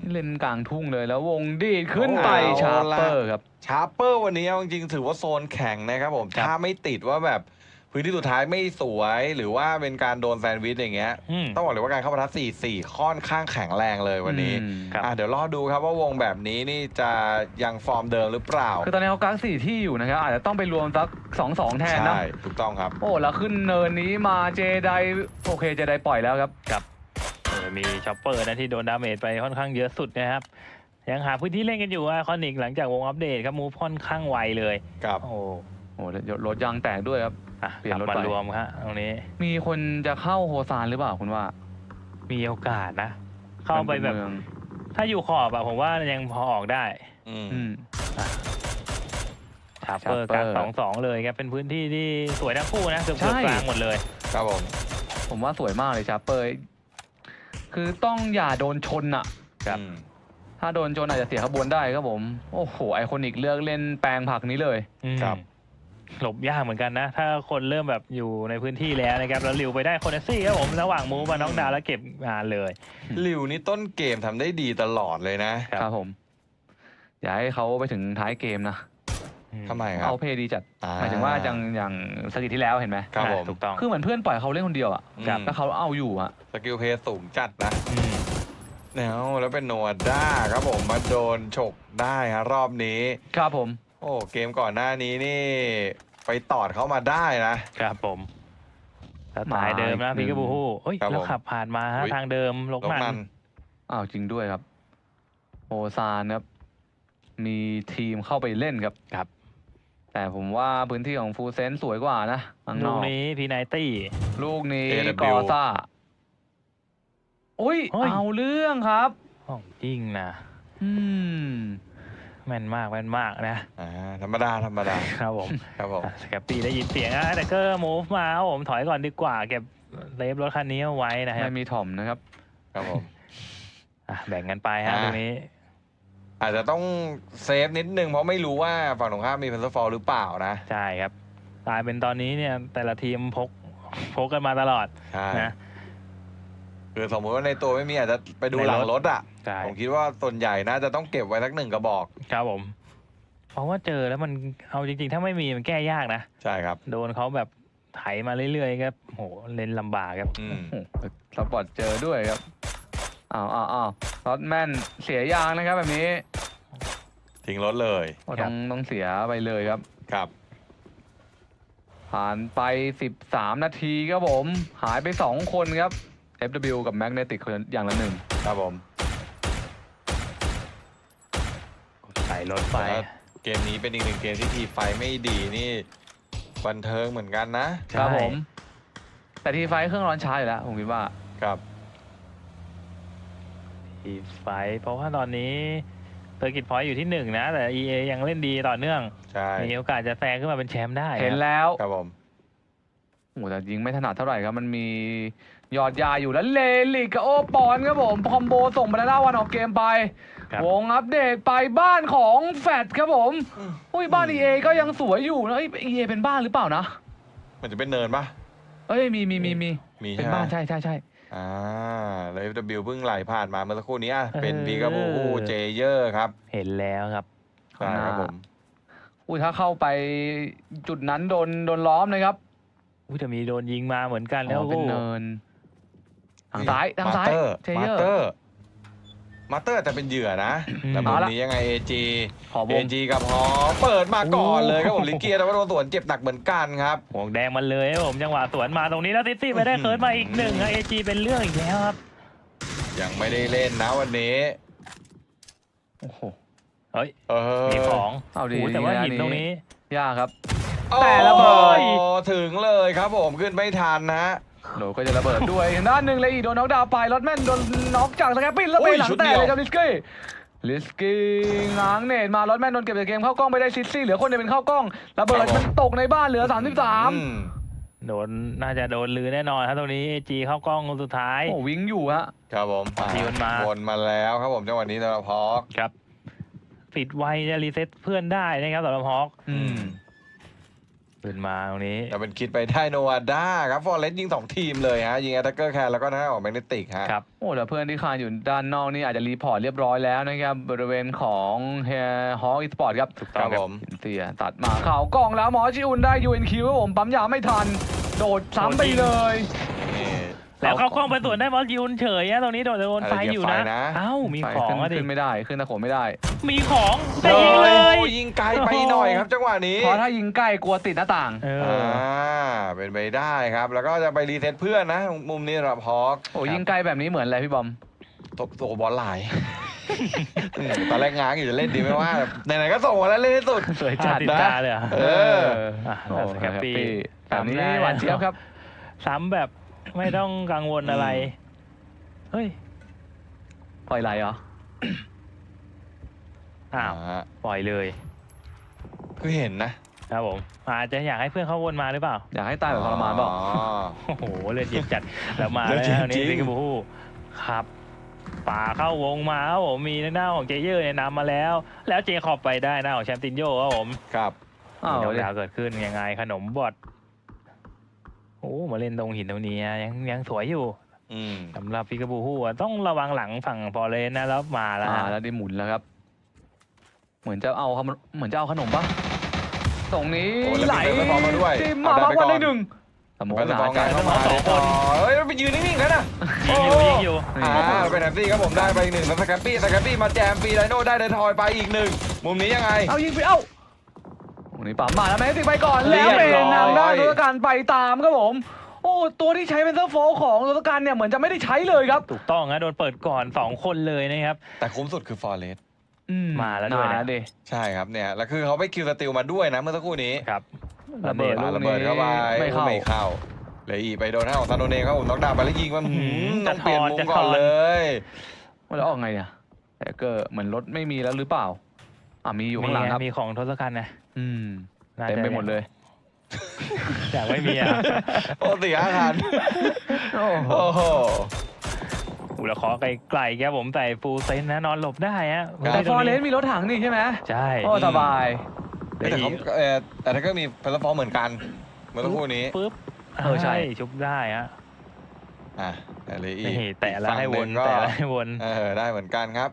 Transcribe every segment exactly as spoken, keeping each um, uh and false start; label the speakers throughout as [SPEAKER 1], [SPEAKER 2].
[SPEAKER 1] เล่นกลางทุ่งเลยแล้ววงดีดขึ้นไปชาร์เปอร์ครับ
[SPEAKER 2] ชาร์เปอร์วันนี้จริงๆถือว่าโซนแข็งนะครับผมถ้าไม่ติดว่าแบบพื้นที่สุดท้ายไม่สวยหรือว่าเป็นการโดนแซนด์วิชอย่างเงี้ยต้องบอกเลยว่าการเข้าปะทะสี่สี่ค่อนข้างแข็งแรงเลยวันนี้อ่ะเดี๋ยวรอดูครับว่าวงแบบนี้นี่จะยังฟอร์มเดิมหรือเปล่า
[SPEAKER 1] คือตอนนี้เขากักสี่ที่อยู่นะครับอาจจะต้องไปรวมสักสองสองแทนนะ
[SPEAKER 2] ใช่ถูกต้องครับ
[SPEAKER 1] โอ้แล้วขึ้นเนินนี้มาเจไดโอเคเจไดปล่อยแล้วครับ
[SPEAKER 3] ครับมีช็อปเปอร์นะที่โดนดาเมจไปค่อนข้างเยอะสุดนะครับยังหาพื้นที่เล่นกันอยู่อะคอนิกหลังจากวงอัปเดตครับมูฟค่อนข้างไวเลย
[SPEAKER 2] ครับ
[SPEAKER 3] โอ้
[SPEAKER 1] โหรถยางแตกด้วยครับ
[SPEAKER 3] เปลี่ยนรถมารวมครับตรงนี้
[SPEAKER 1] มีคนจะเข้าโฮซานหรือเปล่าคุณว่า
[SPEAKER 3] มีโอกาสนะเข้าไปแบบถ้าอยู่ขอบอะผมว่ายังพอออกได้
[SPEAKER 1] อืม
[SPEAKER 3] ชาร์เปอร์กลางสองสองเลยครับเป็นพื้นที่ที่สวยทั้งคู่นะเกือบกลางหมดเลย
[SPEAKER 2] ครับผม
[SPEAKER 1] ผมว่าสวยมากเลยชาร์เปอร์คือต้องอย่าโดนชนอะ
[SPEAKER 2] ครับ
[SPEAKER 1] ถ้าโดนชนอาจจะเสียขบวนได้ครับผมโอ้โหไอคอนิกเลือกเล่นแปลงผักนี้เลย
[SPEAKER 3] ครับหลบยากเหมือนกันนะถ้าคนเริ่มแบบอยู่ในพื้นที่แล้วนะครับแล้วลิวไปได้โคเนซี่ครับผมระหว่างมูฟมาน้องดาวแล้วเก็บงานเลย
[SPEAKER 2] ลิวนี่ต้นเกมทำได้ดีตลอดเลยนะครับ
[SPEAKER 1] ผมอย่าให้เขาไปถึงท้ายเกมนะ
[SPEAKER 2] ทำไมครับ
[SPEAKER 1] เอาเพย์ดีจัดหมายถึงว่าอย่างอย่างสกิลที่แล้วเห็นไหม
[SPEAKER 2] ครับผม
[SPEAKER 1] ถูกต้องคือเหมือนเพื่อนปล่อยเขาเล่นคนเดียวอ่ะแล้วเขาเอาอยู่อ่ะ
[SPEAKER 2] สกิลเพย์สูงจัดนะแล้วแล้วเป็นโนด้าครับผมมาโดนฉกได้ฮะรอบนี้
[SPEAKER 1] ครับผม
[SPEAKER 2] โอ้เกมก่อนหน้านี้นี่ไปตอดเขามาได้นะครับ
[SPEAKER 3] ผมสไตล์เดิมนะพี่กบูฮู้เฮ้ยแล้วขับผ่านมาฮะทางเดิมลกมัน
[SPEAKER 1] อ้าวจริงด้วยครับโอซานครับมีทีมเข้าไปเล่นครับ
[SPEAKER 3] ครับ
[SPEAKER 1] แต่ผมว่าพื้นที่ของฟูเซนสวยกว่านะ
[SPEAKER 3] ลูกนี้พีไนตี้
[SPEAKER 1] ลูกนี้กอซ่าโอ้ยเอาเรื่องครับ
[SPEAKER 3] ของจริงนะ
[SPEAKER 1] อืม
[SPEAKER 3] แม่นมากแม่นมากนะ
[SPEAKER 2] อ่าธรรมดาธรรมดา
[SPEAKER 3] ครับผม
[SPEAKER 2] ครับผม
[SPEAKER 3] สแกปปี้ได้ยินเสียงนะแต่ก็มูฟมาครับผมถอยก่อนดีกว่าเก็บเลฟรถคันนี้เอาไว้นะครับ
[SPEAKER 1] ไม่มีถ่อมนะครับ
[SPEAKER 2] ครับผม
[SPEAKER 3] แบ่งกันไปฮะตรงนี้
[SPEAKER 2] อาจจะต้องเซฟนิดนึงเพราะไม่รู้ว่าฝั่งตรงข้ามมีเพนเซอร์ฟอลหรือเปล่านะ
[SPEAKER 3] ใช่ครับกลายเป็นตอนนี้เนี่ยแต่ละทีมพกพกกันมาตลอดนะ
[SPEAKER 2] คือสมมติว่าในตัวไม่มีอาจจะไปดูหลังรถอ่ะผมคิดว่าส่วนใหญ่น่าจะต้องเก็บไว้สักหนึ่งกระบอก
[SPEAKER 3] ครับผมเพราะว่าเจอแล้วมันเอาจริงๆถ้าไม่มีมันแก้ยากนะ
[SPEAKER 2] ใช่ครับ
[SPEAKER 3] โดนเขาแบบไถมาเรื่อยๆครับโหเล่นลำบากครับ
[SPEAKER 1] สปอร์ตเจอด้วยครับอ้าวอ้าวอ้าวรถแม่นเสียยางนะครับแบบนี้
[SPEAKER 2] ทิ้งรถเลย
[SPEAKER 1] ต้องต้องเสียไปเลยครับ
[SPEAKER 2] ครับ
[SPEAKER 1] ผ่านไปสิบสามนาทีครับผมหายไปสองคนครับ เอฟ ดับเบิลยู กับ Magnetic อย่างละหนึ่ง
[SPEAKER 2] ครับผม
[SPEAKER 3] ใส่รถไฟ
[SPEAKER 2] เกมนี้เป็นอีกหนึ่งเกมที่ทีไฟไม่ดีนี่บันเทิงเหมือนกันนะครับ
[SPEAKER 1] ผมแต่ทีไฟเครื่องร้อนช้าอยู่แล้วผมคิดว่า
[SPEAKER 2] ครับ
[SPEAKER 3] ทีไฟเพราะว่าตอนนี้เซอร์กิตพอยต์อยู่ที่หนึ่งนะแต่ อี เอ ยังเล่นดีต่อเนื่องมีโอกาสจะแซงขึ้นมาเป็นแชมป์ได้
[SPEAKER 1] เห็นแล้ว
[SPEAKER 2] ครับผม
[SPEAKER 1] โอ้แต่ยิงไม่ถนัดเท่าไหร่ครับมันมียอดยาอยู่แล้วเลลิกกับโอปอนครับผมคอมโบส่งไปแล้ววันออกเกมไปวงอัปเดตไปบ้านของแฟดครับผมอุ้ยบ้าน อี เอ ก็ยังสวยอยู่นะเอ้ย อี เอ เป็นบ้านหรือเปล่านะ
[SPEAKER 2] มันจะเป็นเนินปะ
[SPEAKER 1] เอ้ยมีมีมีมีเป็นบ้านใช่ใช่ใช่
[SPEAKER 2] อ่าแล้ว เอฟ ดับเบิลยู เพิ่งไหลผ่านมาเมื่อสักครู่นี้เป็นพีกาบูเจเยอร์ครับ
[SPEAKER 3] เห็นแล้วครับ
[SPEAKER 2] ใช่ครับผม
[SPEAKER 1] อุ้ยถ้าเข้าไปจุดนั้นโดนโดนล้อมเลยครับ
[SPEAKER 3] อุ้ยจะมีโดนยิงมาเหมือนกันแล้ว
[SPEAKER 1] เป็นเนินทางซ้ายทางซ้าย
[SPEAKER 2] มาเตอร์มาเตอร์แต่เป็นเหยื่อนะแต่มุมนี้ยังไง เอ จี เอ จี กับฮอเปิดมาก่อนเลยครับผมลิเกียแต่ว่าโดนสวนเจ็บหนักเหมือนกันครับ
[SPEAKER 3] ห่วงแดงมันเลยครับผมจังหวะสวนมาตรงนี้แล้วซิตี้ไปได้เคิร์ดมาอีกหนึ่ง เอ จี เป็นเรื่องอีกแล้วครับ
[SPEAKER 2] ยังไม่ได้เล่นนะวันนี้
[SPEAKER 1] โอ้โห
[SPEAKER 3] เฮ้ยมีของ
[SPEAKER 1] เอาดี
[SPEAKER 3] แต่ว่าหินตรงนี้
[SPEAKER 1] ยากครับ
[SPEAKER 2] แต่ระเบิดถึงเลยครับผมขึ้นไม่ทันนะ
[SPEAKER 1] โหก็จะระเบิดด้วยด้านหนึ่งเลยอีกโดนน็อกดาวน์ไปรถแม่นโดนน็อกจากสแกปปิ้นแล้วไปหลังแตกเลยครับลิสกี้ลิสกี้ง้างเนตมารถแม่นโดนเก็บจากเกมเข้ากล้องไปได้ซิซี่เหลือคนเดียวเป็นเข้ากล้องระเบิดมันตกในบ้านเหลือสามสิบสาม
[SPEAKER 3] โดนน่าจะโดนลือแน่นอนครับตรงนี้ เอ จี เข้ากล้องสุดท้าย
[SPEAKER 1] โอ้วิ่งอยู่ฮะ
[SPEAKER 2] ครับผม
[SPEAKER 3] วนมา
[SPEAKER 2] วนมาแล้วครับผมจังหวะนี้สำหรับฮอก
[SPEAKER 3] ครับปิดไวจะรีเซ็ตเพื่อนได้นะครับสำหรับฮอกขึ้นมาตรงนี้
[SPEAKER 2] แต่เป็นคิดไปได้โนวาด้าครับฟอร์เรสต์ยิงสองทีมเลยฮะยิงแอตแทกเกอร์แคร์แล้วก็ทางด้านของแมกเนติกฮะ
[SPEAKER 3] ครับ
[SPEAKER 1] โอ้แต่เพื่อนที่คานอยู่ด้านนอกนี่อาจจะรีพอร์ตเรียบร้อยแล้วนะครับบริเวณของเฮฮออีสปอร์ตครับ
[SPEAKER 3] ถูก
[SPEAKER 2] ค
[SPEAKER 3] ต้อ
[SPEAKER 2] รั
[SPEAKER 3] ง
[SPEAKER 2] บ
[SPEAKER 3] ครับ
[SPEAKER 2] ผม
[SPEAKER 1] เสียตัดมาเข่ากล้องแล้วหมอชิอุนได้ยูเอ็นคิวครับผมปั๊มยาไม่ทัน โดดซ้ำไปเลย
[SPEAKER 2] นี่
[SPEAKER 3] แล้วเข้ากล้องไปสวนได้บอลยูนเฉยอะตรงนี้โดนโดนไฟอยู่นะ
[SPEAKER 2] อะไรเกี่ยวไฟนะ
[SPEAKER 3] เอ้ามี
[SPEAKER 1] ไป
[SPEAKER 3] ของ
[SPEAKER 1] ขึ้น
[SPEAKER 3] อะดิ
[SPEAKER 1] ขึ้นไม่ได้ขึ้นตะโขนไม่ได้
[SPEAKER 3] มีของแต่ยิงเลย
[SPEAKER 2] โอ้ยิงไกลไปหน่อยครับจังหวะนี้
[SPEAKER 1] เพราะถ้ายิงใกล้กลัวติดหน้าต่าง
[SPEAKER 3] เอ
[SPEAKER 2] อ่
[SPEAKER 3] อา
[SPEAKER 2] เป็นไปได้ครับ แล้วก็จะไปรีเซ็ตเพื่อนนะ มุมนี้สำหรับฮอก
[SPEAKER 1] โอ้ยิงไกลแบบนี้เหมือนอะไรพี่บอม
[SPEAKER 2] ตบตัวบอลไหลายอืมตอนแรกง้างอยู่จะเล่นดีไม่ว่าไหนๆก็ส่งมาแล้วเล่นให้สุด
[SPEAKER 1] สวย
[SPEAKER 3] จั
[SPEAKER 1] จั
[SPEAKER 3] ด
[SPEAKER 1] ด
[SPEAKER 3] ติด
[SPEAKER 1] นะ
[SPEAKER 3] ตาเลยเหรอ่ะ
[SPEAKER 2] เออ
[SPEAKER 3] อ่ะ
[SPEAKER 1] โอ้
[SPEAKER 3] แฮปปี้
[SPEAKER 1] แบบนี้
[SPEAKER 3] ทำได้
[SPEAKER 1] หวานเจี๊ยบครับ
[SPEAKER 3] ซ้ำแบบไม่ต้องกังวลอะไร เฮ้ย
[SPEAKER 1] ปล่อยไหลเหรอ
[SPEAKER 3] อ้าว
[SPEAKER 2] อ่า
[SPEAKER 3] ปล่อยเลย
[SPEAKER 2] คือเห็นนะ
[SPEAKER 3] ครับผมอาจจะอยากให้เพื่อนเขาวนมาหรือเปล่า
[SPEAKER 1] อยากให้ตายแบบทรมานเปล่า
[SPEAKER 2] อ๋อ
[SPEAKER 3] โอ้โหเลือดเย็นจัด แล้วมา
[SPEAKER 2] เลื
[SPEAKER 3] แล้
[SPEAKER 2] อด
[SPEAKER 3] ว
[SPEAKER 2] เย็น
[SPEAKER 3] นี่
[SPEAKER 2] จริง
[SPEAKER 3] ซิงคโปร์ครับป่าเข้าวงมาครับผมมีหน้าของเจเยอร์เนี่ยนำมาแล้ว แล้วเจคอบไปได้หน้าของแชมป์ตินโยครับผม
[SPEAKER 2] ครับ
[SPEAKER 1] อ้าว
[SPEAKER 3] มีดอก
[SPEAKER 1] เดี๋ยว
[SPEAKER 3] ดาวเกิดขึ้นยังไงขนมบอดโอ้มาเล่นตรงหินตรงนี้ยังยังสวยอยู่
[SPEAKER 2] อืม
[SPEAKER 3] สำหรับพิกาบูฮู้อะต้องระวังหลังฝั่งฟอร์เรนนะแล้วมาแล้ว
[SPEAKER 1] อ่า
[SPEAKER 3] ฮะ
[SPEAKER 1] แล้วได้หมุนแล้วครับ เหมือนจะเอาขนมเหมือนจะเอาขนมปะตรงนี้
[SPEAKER 2] โอ้แล้ว
[SPEAKER 1] ไหล
[SPEAKER 2] มีเปิดไฟฟ้ามาด้วย
[SPEAKER 1] จิ้ม
[SPEAKER 2] เอา
[SPEAKER 1] มา
[SPEAKER 2] ได้
[SPEAKER 1] บ้าง
[SPEAKER 2] ไปก่อน
[SPEAKER 1] วันได้หนึ่งสมอง
[SPEAKER 2] ไป
[SPEAKER 1] ห
[SPEAKER 2] ส
[SPEAKER 1] นา
[SPEAKER 2] ปอง
[SPEAKER 1] จั
[SPEAKER 2] กา
[SPEAKER 1] ด
[SPEAKER 2] รเข้ามาได้ต่อเฮ้ยไปยืนนิ่งๆกันนะ
[SPEAKER 3] ยิงอยู่ยิงอยู่
[SPEAKER 2] อ่าเป็นแฮปปี้ครับผมได้ไปอีกหนึ่งแล้วสแคปปี้สแคปปี้มาแจมฟรีไดโน่ได้เดนทอยไปอีกหนึ่งมุมนี้ยังไง
[SPEAKER 1] เอายิงไปเอ้าตรงนี้ปั๊มมาแล้วแมสติกไปก่อน
[SPEAKER 2] เรี
[SPEAKER 1] แล้
[SPEAKER 2] ยว บ
[SPEAKER 1] เป็น
[SPEAKER 2] ร้อย
[SPEAKER 1] ทางด้านตัวการไปตามครับผม โอ้ตัวที่ใช้เป็นเซอร์โฟของตัวการเนี่ยเหมือนจะไม่ได้ใช้เลยครับ
[SPEAKER 3] ถูกต้องนะโดนเปิดก่อนสองคนเลยนะครับ
[SPEAKER 2] แต่คุ้มสุดคือฟอร์เรส
[SPEAKER 1] อื
[SPEAKER 3] มาแล้วด้วยนะ
[SPEAKER 1] ดิ
[SPEAKER 2] ใช่ครับเนี่ยแล้วคือเขาไปคิวสติลมาด้วยนะเมื่อสักครู่นี้
[SPEAKER 3] ครับ
[SPEAKER 1] ระเบิด
[SPEAKER 2] ปา
[SPEAKER 1] ลูก
[SPEAKER 2] ระเบิ
[SPEAKER 1] นี้
[SPEAKER 2] ดเข้าไป
[SPEAKER 1] ไม่เข้า
[SPEAKER 2] ไม่เข้าเลยอีกไปโดนหน้าของซานโดเน่ครับผมน็อกดาวน์ไปแล้วยิงมันหืม
[SPEAKER 3] จะ
[SPEAKER 2] ต้องเปลี่ยน
[SPEAKER 3] ทอน
[SPEAKER 2] มุม
[SPEAKER 3] จะ
[SPEAKER 2] ก่อน
[SPEAKER 3] ทอน
[SPEAKER 2] เลย
[SPEAKER 1] แล้วออกไงเนี่ยแต่ก็เหมือนรถไม่มีแล้วหรือเปล่าอ่ะมีอยู่ข้างหลังครับ
[SPEAKER 3] มีของทศกัณฐ์นะ
[SPEAKER 1] อืม
[SPEAKER 3] น่าจะ
[SPEAKER 1] เต็มไปหมดเลย
[SPEAKER 3] อยากไม่มีอ่ะ
[SPEAKER 2] โอ้เสียอาหาร
[SPEAKER 1] โอ้โห
[SPEAKER 2] โอ้โห
[SPEAKER 3] อุลคอไกลๆครับผมใส่ฟูลเซนนะนอนหลบได้ฮะ
[SPEAKER 2] ครับ
[SPEAKER 1] แต่
[SPEAKER 3] ต
[SPEAKER 1] ฟ
[SPEAKER 3] ร
[SPEAKER 1] อง ร์เร
[SPEAKER 3] นี้
[SPEAKER 1] สมีรถถังนี่ใช่ไหม
[SPEAKER 3] ใช่
[SPEAKER 1] โอ้สบาย
[SPEAKER 2] แต่เขาเออแต่ถ้าก็มีเพลฟอร์มเหมือนกันเมื่อสักครู่นี้
[SPEAKER 3] ปึ๊บ
[SPEAKER 1] เออใช่
[SPEAKER 3] ชุบได้ฮะ
[SPEAKER 2] อ่ะแต่เลยอีก
[SPEAKER 3] นี่แต่ละให้วน
[SPEAKER 2] ฝั่งนึ่งก็
[SPEAKER 3] แต่ละให้วน
[SPEAKER 2] เออได้เหมือนกันครับ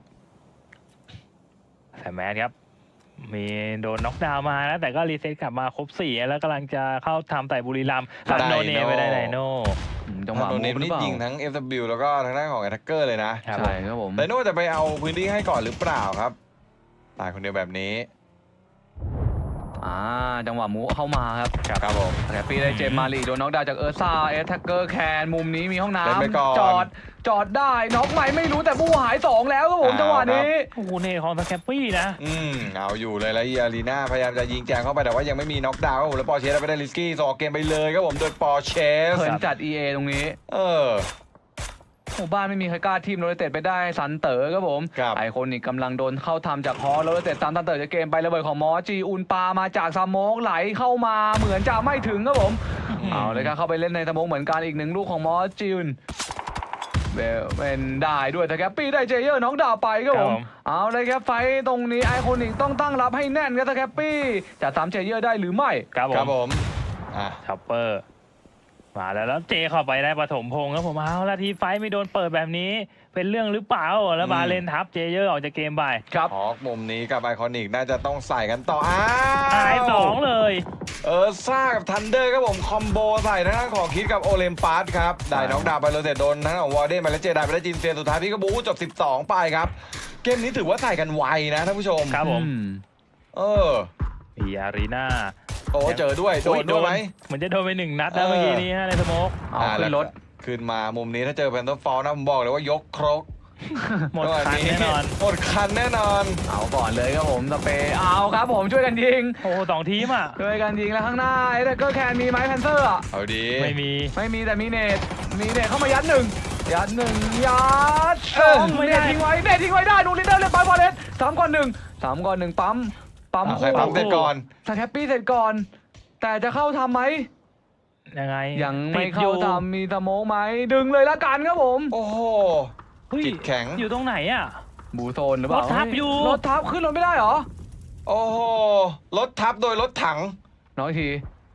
[SPEAKER 3] แต่แมสครับ มีโดนน็อกดาวน์มานะแต่ก็รีเซ็ตกลับมาครบสี่แล้วกำลังจะเข้าทำแต่บุรีรัมย์กับ
[SPEAKER 2] ได้
[SPEAKER 3] โนเนไปได้ไดโน่
[SPEAKER 1] อืมจังหวะ
[SPEAKER 2] โดน
[SPEAKER 1] มู
[SPEAKER 2] เน
[SPEAKER 1] ฟ
[SPEAKER 2] ม
[SPEAKER 1] หรือ
[SPEAKER 2] นี่
[SPEAKER 1] เปล่า
[SPEAKER 2] ยิงทั้ง เอฟ ดับเบิลยู แล้วก็ทางด้านของแอตแทกเกอร์เลยนะ
[SPEAKER 3] ครับ
[SPEAKER 1] ใช่ครับผม
[SPEAKER 2] ไดโน่จะไปเอาพื้นที่ให้ก่อนหรือเปล่าครับตายคนเดียวแบบนี้
[SPEAKER 1] อ่าจังหวะมูฟเข้ามาครับ
[SPEAKER 2] ครับผม
[SPEAKER 1] แต่ปีได้เจมส์มาลีโดนน็อกดาวน์จากเออร์ซ่าเอสแท็กเกอร์แคนมุมนี้มีห้อง
[SPEAKER 2] เล่นไปก่อน
[SPEAKER 1] น้ำจอดจอดได้น็อกไหมไม่รู้แต่บูหายสองแล้วครับผม
[SPEAKER 2] เอา
[SPEAKER 1] จังหวะนี้
[SPEAKER 3] โอ้โหเนของสแคปปี้นะ
[SPEAKER 2] อืมเอาอยู่เลยแล้วอารีนาพยายามจะยิงแจงเข้าไปแต่ว่ายังไม่มีน็อกดาวน์ครับผมแล้วปอร์เชสไปได้ลิสกี้สอกเกมไปเลยครับผมโดยปอร์เชส
[SPEAKER 1] เขินจัด อี เอ ตรงนี้
[SPEAKER 2] เออ
[SPEAKER 1] หมู่บ้านไม่มีใครกล้าทีมโรเตตไปได้สันเต๋อครับผม
[SPEAKER 2] ครับ
[SPEAKER 1] ไอคอนิกกำลังโดนเข้าทำจากฮอโรเตตตามสันเต๋อจะเกมไประเบิดของมอจีอุนปามาจากสโมกไหลเข้ามาเหมือนจะไม่ถึงครับผม
[SPEAKER 3] อืม
[SPEAKER 1] เอาเลยครับเข้าไปเล่นในสโมกเหมือนกันอีกหนึ่งลูกของมอจีอุนเบลเป็นได้ด้วยแต่แกปปี้ได้เจเยอร์น็อกดาวน์ไปครับผม เอาเลยครับไฟต์ตรงนี้ไอคอนิกต้องตั้งรับให้แน่นครับแต่แกปปี้จะตามเจเยอร์ได้หรือไม่
[SPEAKER 3] ครับ
[SPEAKER 2] ครับ
[SPEAKER 3] ผ
[SPEAKER 2] ผม มอ่ะ
[SPEAKER 3] ช็อปเปอร์มาแล้วแล้วเจเข้าไปได้ปฐมพงศ์ครับผมเอาละทีไฟท์ไม่โดนเปิดแบบนี้ เป็นเรื่องหรือเปล่าแล้วบาเลนทับเจเยอร์ออกจากเกมไป
[SPEAKER 1] ครับ
[SPEAKER 2] ฮอกมุมนี้กับไอคอนิกน่าจะต้องใส่กันต่ออ้า
[SPEAKER 3] ตายสอง
[SPEAKER 2] ว
[SPEAKER 3] เลย
[SPEAKER 2] เออซ่ากับทันเดอร์ครับผมคอมโบใส่ทางด้านของคิดกับโอเลมปัสครับได้น็อกดาวน์ไปโรเตตโดนทางด้านของวอร์เดนไปแล้วเจไดไปได้จินเซียนสุดท้ายพี่ก็บูจบสิบสองไปครับเกมนี้ถือว่าใส่กันไวนะท่านผู้ชม
[SPEAKER 3] ครับผม
[SPEAKER 1] อืม
[SPEAKER 2] เออ
[SPEAKER 3] อีอารีนา
[SPEAKER 2] โอ้เจอด้วยโดนด้วยไหม
[SPEAKER 3] เหมือนจะโดนไปหนึ่งนัดนะ
[SPEAKER 2] เออ
[SPEAKER 3] เมื่อกี้นี้ฮะในสโมก
[SPEAKER 1] เอา
[SPEAKER 2] อ่า
[SPEAKER 1] ขึ้นรถ
[SPEAKER 2] แล้วขึ้นมามุมนี้ถ้าเจอแพนเทอร์ฟอลนะผมบอกเลยว่ายกครก
[SPEAKER 3] หมดคันแน่นอน
[SPEAKER 2] หมดคันแน่นอน
[SPEAKER 1] เอาก่อนเลยครับผมสเปย์เอาครับผมช่วยกันยิง
[SPEAKER 3] โอ้โหสองทีมอ่ะ
[SPEAKER 1] ช่วยกันยิงแล้วข้างหน้าไอ้เด็กเกอร์แคนมีไหมแพนเซอร์อ่ะ
[SPEAKER 2] เอาดี
[SPEAKER 3] ไม่มี
[SPEAKER 1] ไม่มีแต่มีเนตมีเนตเข้ามายัดหนึ่งยัดหนึ่งยัดสอง
[SPEAKER 3] ไม่
[SPEAKER 1] เน
[SPEAKER 3] ได้
[SPEAKER 1] ตทิ้งไว้เนตทิ้งไว้ได้ดูลิเดอร์เล่นไปบอลเลสสามก่อนหนึ่งสามก่อนหนึ่งปั๊มปั๊ม
[SPEAKER 2] อ่ะใคร
[SPEAKER 1] คู่
[SPEAKER 2] ปั๊มเสร็จก่อน
[SPEAKER 1] สแคปปี้เสร็จก่อน แต่จะเข้าทำไหม
[SPEAKER 3] ยังไง
[SPEAKER 1] ยังไม่
[SPEAKER 3] ติดอ
[SPEAKER 1] เข้าทำมีสโมกไหมดึงเลยละกันครับผม
[SPEAKER 2] โอ้โห
[SPEAKER 3] เฮ้ย
[SPEAKER 2] จิตแข็ง
[SPEAKER 3] อยู่ตรงไหนอ่ะ
[SPEAKER 1] บูโซนหรือเปล่าร
[SPEAKER 3] ถทับอยู่
[SPEAKER 1] รถทับขึ้นรถไม่ได้เหรอ
[SPEAKER 2] โอ้โหรถทับโดยรถถัง
[SPEAKER 1] น้อยที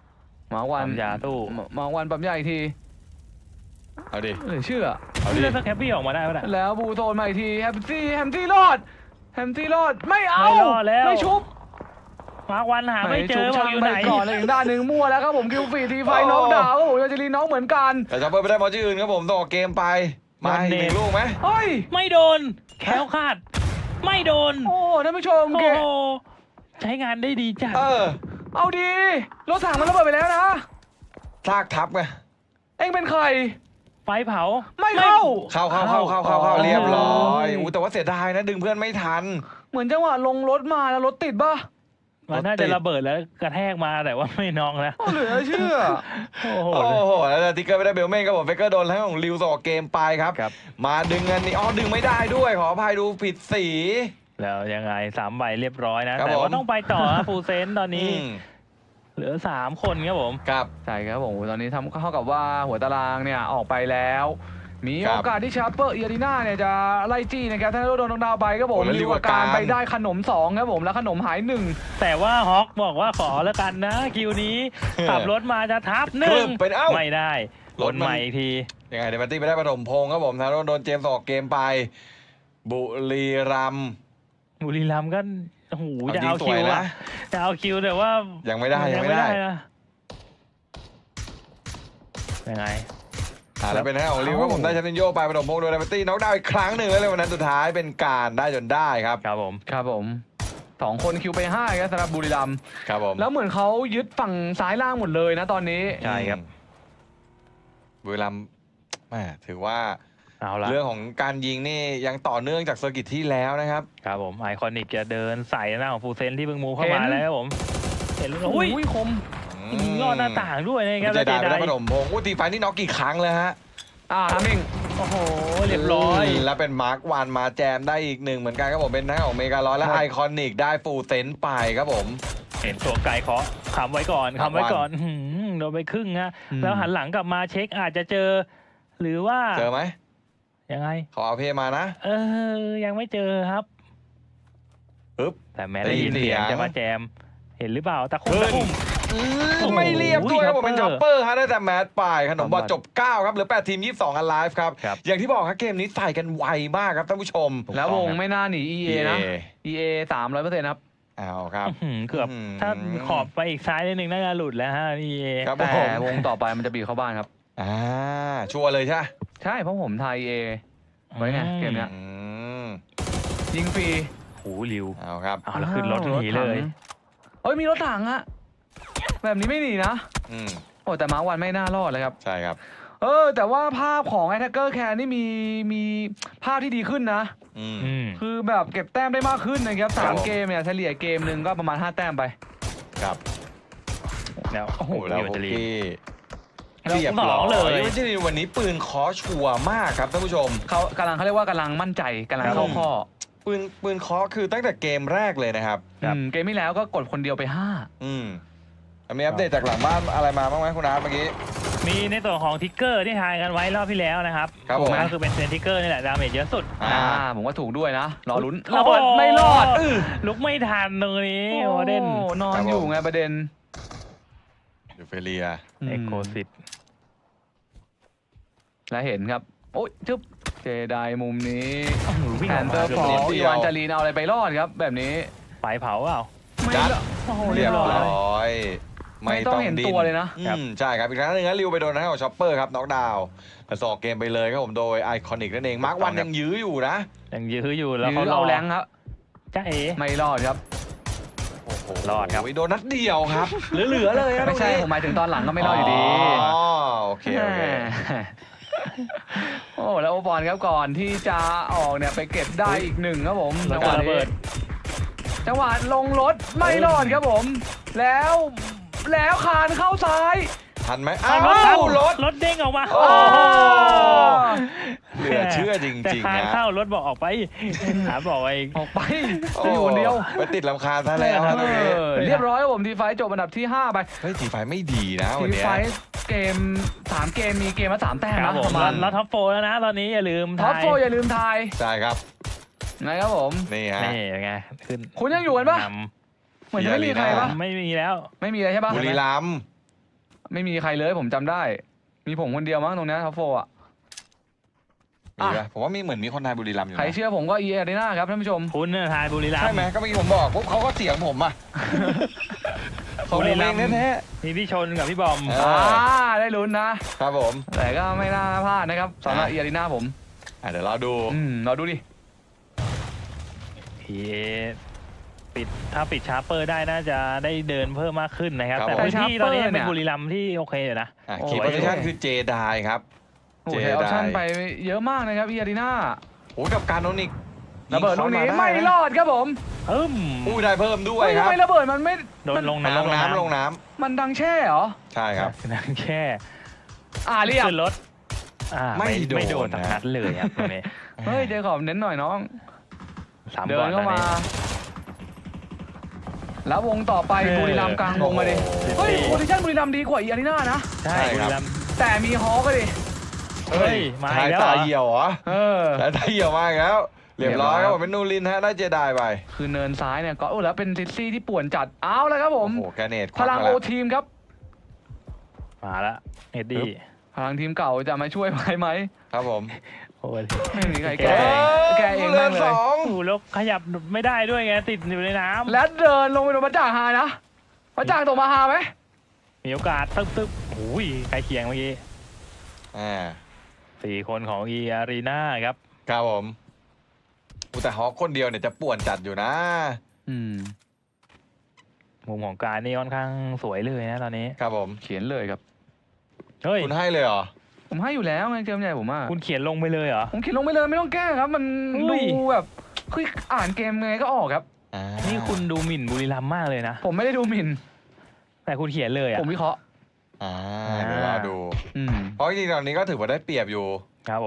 [SPEAKER 1] มาวัน
[SPEAKER 3] ปั๊มยาตู้
[SPEAKER 1] มามาวันปั๊มยาอีกที
[SPEAKER 2] เอาดิ
[SPEAKER 1] เหลือเชื่อ
[SPEAKER 2] เอาดิ
[SPEAKER 3] เลือดสักแคปปี้ออกมาได้ปะเนี่ย
[SPEAKER 1] แล้วบูโซนมาอีกทีแฮมซี่แฮมซี่รอดแฮมซี่รอดไม่เอา
[SPEAKER 3] ไม่รอดแล้ว
[SPEAKER 1] ไม่ชุบ
[SPEAKER 3] มาร์ควันหาไม่เจอ
[SPEAKER 1] ชุบ
[SPEAKER 3] ว่า
[SPEAKER 1] ช่าง
[SPEAKER 3] อยู่
[SPEAKER 1] ไป
[SPEAKER 3] ไหน
[SPEAKER 1] ก่อนเลยอีกด้านหนึ่งมั่วแล้วครับผมคิวฟีทีไฟน็อกดาวน์ครับผมยาจิรีน็อกเหมือนกัน
[SPEAKER 2] แต่ช็อปเปอร์ไม่ได้มอชื่ออื่นครับผมต้องออกเกมไปมาอีกหนึ่งลูกไหม
[SPEAKER 1] เฮ้ย
[SPEAKER 3] ไม่โดนแคล้วคลาดไม่โดน
[SPEAKER 1] โอ้ท่านผู้ชม
[SPEAKER 3] โอ้
[SPEAKER 1] เก
[SPEAKER 3] โหใช้งานได้ดีจัด
[SPEAKER 2] เออ
[SPEAKER 1] เอาดีรถถังมันระเบิดไปแล้วนะ
[SPEAKER 2] ซากทับไง
[SPEAKER 1] เอ็งเป็นใคร
[SPEAKER 3] ไฟเผา
[SPEAKER 1] ไม่เข้า
[SPEAKER 2] เข้าเข้าเข้าเข้าเข้าเข้า
[SPEAKER 1] อ๋อ
[SPEAKER 2] เรียบร้อยอู้แต่ว่าเสียดายนะดึงเพื่อนไม่ทัน
[SPEAKER 1] เหมือนจังหวะลงรถมาแล้วรถติดป่ะ
[SPEAKER 3] มันน่าจะระเบิดแล้วกระแทกมาแต่ว่าไม่นองแล้ว
[SPEAKER 1] โอ้เหลือเชื่อ
[SPEAKER 3] โอ้โห
[SPEAKER 2] โอ้โหแล้วติ๊กเกอร์ไม่ได้เบลเม่นครับผมเฟกเกอร์โดนแล้วของริวสออกเกมไปครับ
[SPEAKER 3] ครับ
[SPEAKER 2] มาดึงอันนี้อ๋อดึงไม่ได้ด้วยขออภัยดูผิดสี
[SPEAKER 3] แล้วยังไงสามใบเรียบร้อยนะ
[SPEAKER 2] ครับ
[SPEAKER 3] แต่ว่า
[SPEAKER 2] ผม
[SPEAKER 3] ต้องไปต่อฟูเซนตอนนี้
[SPEAKER 2] อืม
[SPEAKER 3] เหลือสามคนครับผม
[SPEAKER 2] ครับ
[SPEAKER 1] ใช่ครับผมตอนนี้ทำเท่ากับว่าหัวตารางเนี่ยออกไปแล้ว มี
[SPEAKER 2] ครับ
[SPEAKER 1] โอกาสที่ชาร์เปอร์เอียรีนาเนี่ยจะไล่จี้นะครับถ้าโดนดาวไปครับผม
[SPEAKER 2] โอ้แล้ว
[SPEAKER 1] ริวอาการ
[SPEAKER 2] ริวอาการ
[SPEAKER 1] ไปได้ขนมสองครับผมแล้วขนมหายหนึ่ง
[SPEAKER 3] แต่ว่าฮอกบอกว่าขอแล้วกันนะคิวนี้ ขับรถมาจะทับห
[SPEAKER 2] ครึ
[SPEAKER 3] นึ่ง
[SPEAKER 2] บเป็นเอ้า
[SPEAKER 3] ไม่ได้
[SPEAKER 2] ร
[SPEAKER 3] ร
[SPEAKER 2] ถ
[SPEAKER 3] ถ
[SPEAKER 2] มัน
[SPEAKER 3] ใหม่อีกที
[SPEAKER 2] ยังไงเดมันตี้ไปได้ปฐมพงศ์ครับผมทางโดนโดนเจมส์ออกเกมไป บุรีรัมย์
[SPEAKER 3] บุรีรัมย์ก็โอ้โห
[SPEAKER 2] เอา
[SPEAKER 3] จะ
[SPEAKER 2] จริง
[SPEAKER 3] เอา
[SPEAKER 2] ส
[SPEAKER 3] คิ
[SPEAKER 2] ว
[SPEAKER 3] วย
[SPEAKER 2] นะ
[SPEAKER 3] อะจะเอาคิวแต่ว่า
[SPEAKER 2] ยังไม่ได้ยังไม่ได้
[SPEAKER 3] นะยังไง
[SPEAKER 2] อ่าแล้วเป็นหน้าของริวครับผมได้แชมป์โยไปปฐมพงศ์โดยเดมันตี้น็อกดาวน์อีกครั้งหนึ่งแล้วเลยวันนั้นสุดท้ายเป็นการได้จนได้ครับ
[SPEAKER 3] ครับผม
[SPEAKER 1] ครับผมสองคนคิวไปห้าครับสำหรับบุรีรัมย์
[SPEAKER 2] ครับผม
[SPEAKER 1] แล้วเหมือนเขายึดฝั่งซ้ายล่างหมดเลยนะตอนนี้
[SPEAKER 3] ใช่ครับ
[SPEAKER 2] บุรีรัมย์แหม่ถือว่า
[SPEAKER 3] เอาละ
[SPEAKER 2] เรื่องของการยิงนี่ยังต่อเนื่องจากเซอร์กิตที่แล้วนะครับ
[SPEAKER 3] ครับผมไอคอนิกจะเดินใส่หน้าของฟูเซนที่เพิ่งมูฟเข้ามาแล้วครับผมเห็นแล้วอุ้ย
[SPEAKER 1] อุ้ยคม
[SPEAKER 3] ยิงลอดหน้าต่างด้วยนะครับ
[SPEAKER 2] เจไดไปได้
[SPEAKER 3] แล้ว
[SPEAKER 2] ปฐมพงศ์อู้ตีไฟนี่น็อกกี่ครั้งเลยฮะ
[SPEAKER 1] อ่าทำเอง
[SPEAKER 3] โอ้โหเรียบร้อย
[SPEAKER 2] แล้วเป็นมาร์ควานมาแจมได้อีกหนึ่งเหมือนกันครับผมเป็นทั้งของเมกาลอยและไอคอนิกได้ฟูลเซนไปครับผม
[SPEAKER 3] เห็นตัวไก่เคาะคำไว้ก่อน
[SPEAKER 2] ครับ
[SPEAKER 3] คำไว้ก่อนอื้อหือโดนไปครึ่งฮะ
[SPEAKER 1] อืม
[SPEAKER 3] แล้วหันหลังกลับมาเช็คอาจจะเจอ หรือว่า
[SPEAKER 2] เจอไหม
[SPEAKER 3] ยังไง
[SPEAKER 2] เขาเอาเพมานะ
[SPEAKER 3] เออ ยังไม่เจอครับ
[SPEAKER 2] ปึ๊บ
[SPEAKER 3] แต่แม้ได้ยิน
[SPEAKER 2] ได้ยิน
[SPEAKER 3] เสียง
[SPEAKER 2] เสียง
[SPEAKER 3] จะมาแจม เห็นหรือเปล่าตะคุ่ม
[SPEAKER 2] ขึ้น
[SPEAKER 3] ตะคุ่ม โอ้โห
[SPEAKER 2] ไม่เรียบด้วยครับผมเป็น
[SPEAKER 3] ช็
[SPEAKER 2] ช็
[SPEAKER 3] อ
[SPEAKER 2] อ
[SPEAKER 3] ป
[SPEAKER 2] ป
[SPEAKER 3] เป
[SPEAKER 2] เป
[SPEAKER 3] อ
[SPEAKER 2] อ
[SPEAKER 3] ร์
[SPEAKER 2] ร์ฮะได้แต่แมตช์ไปขนมบอล
[SPEAKER 1] ครับ
[SPEAKER 2] จบเก้าครับเหลือแปดทีมยี่สิบสองอันไลฟ์ครับ
[SPEAKER 3] ครับ
[SPEAKER 2] อย่างที่บอกครับเกมนี้ใส่กันไวมากครับท่านผู้ชม
[SPEAKER 1] แล้ววง
[SPEAKER 3] ครับ
[SPEAKER 1] ไม่น่าหนี อี เอ นะ อี เอ สามร้อยเปอร์เซ็นต์ครับ
[SPEAKER 2] เอาครับ
[SPEAKER 3] อื้อหือเกือบ
[SPEAKER 2] อื้อหือ
[SPEAKER 3] ถ้าขอบไปอีกซ้ายนิดนึงน่าจะหลุดแล้วฮะพี่เอ
[SPEAKER 2] ครับ
[SPEAKER 1] แต่
[SPEAKER 2] ผม
[SPEAKER 1] วงต่อไปมันจะบีบเข้าบ้านครับ
[SPEAKER 2] อ่าชัวร์เลยใช่ไหม
[SPEAKER 1] ใช่เพราะผมทาย อี เอ ไว้ไงเกมเนี้ย
[SPEAKER 2] อืม
[SPEAKER 1] ยิงฟรี
[SPEAKER 3] โอ้โหริว
[SPEAKER 2] เอาครับ
[SPEAKER 3] เอาแล้วขึ้นรถหนีเลย
[SPEAKER 1] เอ้ยมีรถถังอะแบบนี้ไม่หนีนะ
[SPEAKER 2] อืม
[SPEAKER 1] โอ้แต่มาร์ควันไม่น่ารอดเลยครับ
[SPEAKER 2] ใช่ครับ
[SPEAKER 1] เออ แต่ว่าภาพของไอ t ท c เกอร์แคนนี่มีมีภาพที่ดีขึ้นนะ
[SPEAKER 2] อืม
[SPEAKER 3] อืม
[SPEAKER 1] คือแบบเก็บแต้มได้มากขึ้นนะครับสาม
[SPEAKER 2] ครับผม
[SPEAKER 1] เกมเนี่ยเฉลี่ยเกมหนึ่งก็ประมาณห้าแต้มไป
[SPEAKER 2] ครับ
[SPEAKER 3] แล้ว
[SPEAKER 2] โอ้โหแล้ว
[SPEAKER 3] อยู่
[SPEAKER 2] โอ
[SPEAKER 3] จะรี
[SPEAKER 2] เค
[SPEAKER 3] แล้ว
[SPEAKER 2] เรียบ
[SPEAKER 3] ส
[SPEAKER 2] ร้
[SPEAKER 3] อ
[SPEAKER 2] อง ย
[SPEAKER 3] เลย
[SPEAKER 2] ไม่ใช่วันนี้ปืนคอชัวร์มากครับท่านผู้ชม
[SPEAKER 1] เขากำลังเขาเรียกว่ากำลังมั่นใจกำลังเข้าข้อ
[SPEAKER 2] ปืนปืนเคอคือตั้งแต่เกมแรกเลยนะครับ
[SPEAKER 3] ครับ
[SPEAKER 1] อืมเกมที่แล้วก็กดคนเดียวไปห้า
[SPEAKER 2] อืมมีอัปเดตจากหลังบ้านอะไรมาบ้างไหมคุณอาร์ตเมื่อกี้
[SPEAKER 3] มีในส่วนของทิกเกอร์ที่ทายกันไว้รอบที่แล้วนะครับ
[SPEAKER 2] ครับผม
[SPEAKER 3] ก็คือเป็นเซนทิกเกอร์นี่แหละดาเมจเยอะสุด
[SPEAKER 2] อ่า
[SPEAKER 1] อ่าผมว่าถูกด้วยนะ รอลุ้น
[SPEAKER 3] โอ้
[SPEAKER 1] ระ
[SPEAKER 3] โห
[SPEAKER 1] เบิดไม่รอดอื้อ
[SPEAKER 3] ลุกไม่ทันตรงนี้โอเดน
[SPEAKER 1] โนอนอยู่ไงประเด็น
[SPEAKER 2] ยูเฟเรีย
[SPEAKER 3] เอ็กโคซิต
[SPEAKER 1] และเห็นครับ โอ้ยจึ๊บเจไดมุมนี้
[SPEAKER 3] วิ่ง
[SPEAKER 1] แพ
[SPEAKER 3] ออน ก
[SPEAKER 1] เตอ
[SPEAKER 3] มา
[SPEAKER 1] ร์
[SPEAKER 3] เกื
[SPEAKER 1] ฟ
[SPEAKER 3] อบ
[SPEAKER 1] อ
[SPEAKER 3] เรียบ
[SPEAKER 1] ร์อีวานจารีนเอาอะไรไปรอดครับ แบบนี้
[SPEAKER 3] ไฟเผาเปล่า
[SPEAKER 1] ไม่
[SPEAKER 2] จัด
[SPEAKER 1] ละโอ้โห
[SPEAKER 2] เรี
[SPEAKER 1] เรี
[SPEAKER 2] ย
[SPEAKER 1] ย
[SPEAKER 2] บบ
[SPEAKER 1] ร้อย
[SPEAKER 2] ร้อย
[SPEAKER 1] ไม่ต้องเห็นตัวเลยนะ
[SPEAKER 2] อืมใช่ครับ อีกครั้งหนึงนะริวไปโดนทางของช็อปเปอร์ครับน็อกดาวน์แต่สอกเกมไปเลยครับผมโดยไอคอนิกนั่นเองมาร์ควันยังยื้ออยู่นะ
[SPEAKER 3] ยังยื้ออยู่แล้ว
[SPEAKER 1] ยื้
[SPEAKER 3] เขา
[SPEAKER 1] อ
[SPEAKER 3] รอ
[SPEAKER 1] เอาแรงครับ
[SPEAKER 3] จ้าเอ๋
[SPEAKER 1] ไม่รอดครับ
[SPEAKER 2] โอ้โห
[SPEAKER 3] รอดครับ
[SPEAKER 2] โดนนัดเดียวครับ เหลือๆเลยครับ
[SPEAKER 1] ไม่ใช่
[SPEAKER 2] ตรงนี้
[SPEAKER 1] ผมหมายถึงตอนหลังก็ไม่รอดอยู่ดี
[SPEAKER 2] อ๋อโอเคโอเค
[SPEAKER 1] โอ้แล้วโอปอนครับก่อนที่จะออกเนี่ยไปเก็บได้อีกหนึ่งครับผม
[SPEAKER 3] แล้
[SPEAKER 1] จั
[SPEAKER 3] ว
[SPEAKER 1] งห
[SPEAKER 3] ก็
[SPEAKER 1] วะ
[SPEAKER 3] ระเบิ
[SPEAKER 1] นี้
[SPEAKER 3] ด
[SPEAKER 1] จังหวะลงรถไม่รอดครับผม แล้วแล้วคานเข้าซ้าย
[SPEAKER 2] ทันไหม
[SPEAKER 3] อ้า
[SPEAKER 2] อ้าว ว
[SPEAKER 3] รถ
[SPEAKER 2] รถ
[SPEAKER 3] รถเด้งออกมา
[SPEAKER 2] โอ้
[SPEAKER 1] อ้าว
[SPEAKER 2] เหลือเชื่อจ
[SPEAKER 3] แต่
[SPEAKER 2] ริง
[SPEAKER 3] คาน
[SPEAKER 2] ๆนะ
[SPEAKER 3] เข้ารถบอกออกไปหาบอกไอ้
[SPEAKER 1] ออกไป
[SPEAKER 2] โอ้
[SPEAKER 1] จะอยู่คนเดียว
[SPEAKER 2] ไปติดลำคาญซะแล้วครับตรงนี้
[SPEAKER 1] เออเรียบร้อยครับผมทีไฟท์จบอันดับที่ห้าไป
[SPEAKER 2] เฮ้ยทีไฟไม่ดีนะวัน
[SPEAKER 1] ที
[SPEAKER 2] เนี้ย
[SPEAKER 1] ไฟท์เกมสามเกมมีเกมละสามแต้ม
[SPEAKER 3] ครั
[SPEAKER 1] นะ
[SPEAKER 3] บผ
[SPEAKER 1] ป
[SPEAKER 3] ม
[SPEAKER 1] ระมาณ
[SPEAKER 3] แล้วท็อปโฟร์แล้วนะตอนนี้อย่าลืม
[SPEAKER 1] ท็อป
[SPEAKER 3] ทาย
[SPEAKER 1] โฟร์อย่าลืมทาย
[SPEAKER 2] ใช่ครับ
[SPEAKER 1] นะครับผม
[SPEAKER 2] นี่ฮะ
[SPEAKER 3] นี่ยังไงขึ้น
[SPEAKER 1] คุณยังอยู่กันปะ
[SPEAKER 3] น
[SPEAKER 1] เหมือนจะไม่มีใครปะ
[SPEAKER 3] ำไม่มีแล้ว
[SPEAKER 1] ไม่มีเลยใช่ปะ
[SPEAKER 2] บุรีรัมย์
[SPEAKER 1] ไม่มีใครเลยผมจำได้ มีผมคนเดียวมั้งตรงนี้ท็อปโฟอ่ะ
[SPEAKER 2] มีปะผมว่ามีเหมือนมีคนไทยบุรีรัมย์อยู่
[SPEAKER 1] ใคร
[SPEAKER 2] นะ
[SPEAKER 1] เชื่อผมก็ อี เอ Arena ครับท่านผู้ชม
[SPEAKER 3] คุณน่ะทายบุรีรัมย์
[SPEAKER 2] ใช่ไหมก็เมื่อกี้ผมบอกปุ๊บเขาก็เสียงผมอ่ะเขา
[SPEAKER 3] บุ
[SPEAKER 2] เอ
[SPEAKER 3] รี
[SPEAKER 2] ง
[SPEAKER 3] รัมย์
[SPEAKER 2] แท้
[SPEAKER 3] มีพี่ชนกับพี่บอม
[SPEAKER 2] เอ
[SPEAKER 1] อ่า
[SPEAKER 2] อ
[SPEAKER 1] ได้ลุ้นนะ
[SPEAKER 2] ๆครับผม
[SPEAKER 1] แต่ก็ไม่น่าพลาดนะครับสำหรับ
[SPEAKER 2] อ่ะ
[SPEAKER 1] อี เอ Arena ผม
[SPEAKER 2] อ่ะเดี๋ยวเราดู
[SPEAKER 1] อืมเราดูดิ
[SPEAKER 3] พี เอ ปิดถ้าปิดชาร์เปอร์ได้น่าจะได้เดินเพิ่มมากขึ้นนะครับ
[SPEAKER 2] ครับ
[SPEAKER 3] แต่
[SPEAKER 2] ผม
[SPEAKER 3] พื้นที่ตอนนี้
[SPEAKER 1] ชาร์เปอร์เนี่
[SPEAKER 3] เป็น
[SPEAKER 1] ย
[SPEAKER 3] บุรีรัมย์ที่โอเคอยู่นะ
[SPEAKER 2] อ่ะ
[SPEAKER 1] โอ้
[SPEAKER 2] คีย์
[SPEAKER 3] โอ้
[SPEAKER 2] โพ
[SPEAKER 3] ย
[SPEAKER 2] ซิชันคือเจไดครับ
[SPEAKER 1] โอ้โหใช้ออปชั่นไปเยอะมากนะครับ อี เอ Arena
[SPEAKER 2] โอ้ยกับการโนนิก
[SPEAKER 1] ระเบิดลูกนี้
[SPEAKER 2] ยิง
[SPEAKER 1] ไม่
[SPEAKER 2] เข้าาด้
[SPEAKER 1] รอดครับผม
[SPEAKER 3] เอิ่ม
[SPEAKER 2] อู้ได้เพิ่มด้วย
[SPEAKER 1] เฮ้ย
[SPEAKER 2] ค
[SPEAKER 1] ทำ
[SPEAKER 2] รับ
[SPEAKER 1] ไมระเบิดมันไม่
[SPEAKER 3] โดนลง
[SPEAKER 2] มัน
[SPEAKER 3] น้ำ
[SPEAKER 2] ลงน้ำลงน้ำ
[SPEAKER 1] มันดังแช่เหรอ
[SPEAKER 2] ใช่ครับ
[SPEAKER 3] นั่งแค่
[SPEAKER 1] อ่าเรียบ
[SPEAKER 3] ขึ้นรถอ่า
[SPEAKER 2] ไม่โดน
[SPEAKER 3] ไม่โดน
[SPEAKER 2] นะ
[SPEAKER 3] สักนัดเลยครับตรงนี้
[SPEAKER 1] เฮ้ยเจคอบเน้นหน่อยน้อง
[SPEAKER 3] สาม
[SPEAKER 1] เดิ
[SPEAKER 3] ก่อน น
[SPEAKER 1] เข้า
[SPEAKER 3] ตอน
[SPEAKER 1] มา
[SPEAKER 3] นี้
[SPEAKER 1] แล้ววงต่อไป
[SPEAKER 3] เออ
[SPEAKER 1] บุรีรัมย์กลางวงมาดิ
[SPEAKER 3] โอ้โห
[SPEAKER 1] เฮ้ยโพซิชั่นบุรีรัมย์ดีกว่าอีอารีนานะ
[SPEAKER 3] ใช่
[SPEAKER 2] ใช่
[SPEAKER 3] บุ
[SPEAKER 2] ครับ
[SPEAKER 3] รีรัมย์
[SPEAKER 1] แต่มีฮอก็ดิ
[SPEAKER 3] เฮ้ยมาอี
[SPEAKER 2] ชาย
[SPEAKER 3] กแล้ว
[SPEAKER 2] ตา
[SPEAKER 3] เหรอ
[SPEAKER 2] เหี่ยวเหรอ
[SPEAKER 1] เออ
[SPEAKER 2] ชายตาเหี่ยวมากแล้ว เรียบร้อยครับผมเป็นนูรินฮะได้เจไดไป
[SPEAKER 1] คือเนินซ้ายเนี่ยก็โอ้แล้วเป็นซิตี้ที่ป่วนจัดเอาเลยครับผ
[SPEAKER 2] โอ้
[SPEAKER 1] ม
[SPEAKER 2] โหแกเนต
[SPEAKER 1] พลังโอทีมครับ
[SPEAKER 3] มาละเอ็ดดี้
[SPEAKER 1] พลังทีมเก่าจะมาช่วยไหมไหม
[SPEAKER 2] ครับผม
[SPEAKER 3] โอ้ย
[SPEAKER 1] ไม่มีใคร
[SPEAKER 3] แก้
[SPEAKER 1] แก้แก้เอง
[SPEAKER 2] เรื
[SPEAKER 1] แม่
[SPEAKER 2] อง
[SPEAKER 1] เล
[SPEAKER 2] ส
[SPEAKER 1] ย
[SPEAKER 2] อง
[SPEAKER 3] โอ้โหแล้วขยับไม่ได้ด้วยไงติดอยู่ในน้ำ
[SPEAKER 1] และเดินลงไปโดนพระจ่างหานะพระจ่างตกมาหาไหม
[SPEAKER 3] มีโอกาสตึ๊บตึ๊บโอ้ยใกล้เคียงเมื่อกี้
[SPEAKER 2] อ่า
[SPEAKER 3] สี่คนของอีอารีนาครับ
[SPEAKER 2] ครับผมอู้แต่ฮอกคนเดียวเนี่ยจะป่วนจัดอยู่นะ
[SPEAKER 1] อืม
[SPEAKER 3] มุมของการนี่ค่อนข้างสวยเลยนะตอนนี้
[SPEAKER 2] ครับผม
[SPEAKER 1] เขียนเลยครับ
[SPEAKER 3] เฮ้ย
[SPEAKER 2] คุณให้เลยเหรอ
[SPEAKER 1] ผมให้อยู่แล้วไงเกมใหญ่ผมอ่ะ
[SPEAKER 3] คุณเขียนลงไปเลยเหรอ
[SPEAKER 1] ผมเขียนลงไปเลยไม่ต้องแก้ครับ มัน
[SPEAKER 3] อุ้ย
[SPEAKER 1] ดูแบบคืออ่านเกมไงก็ออกครับ
[SPEAKER 2] อ่า
[SPEAKER 3] นี่คุณดูหมิ่นบุรีรัมย์มากเลยนะ
[SPEAKER 1] ผมไม่ได้ดูหมิ่น
[SPEAKER 3] แต่คุณเขียนเลยอ่ะ
[SPEAKER 1] ผมวิเคราะห์
[SPEAKER 2] อ่าเดี๋ยวเราดู
[SPEAKER 1] อืม
[SPEAKER 2] เพราะจริงๆตอนนี้ก็ถือว่าได้เปรียบอยู่
[SPEAKER 3] ครับผม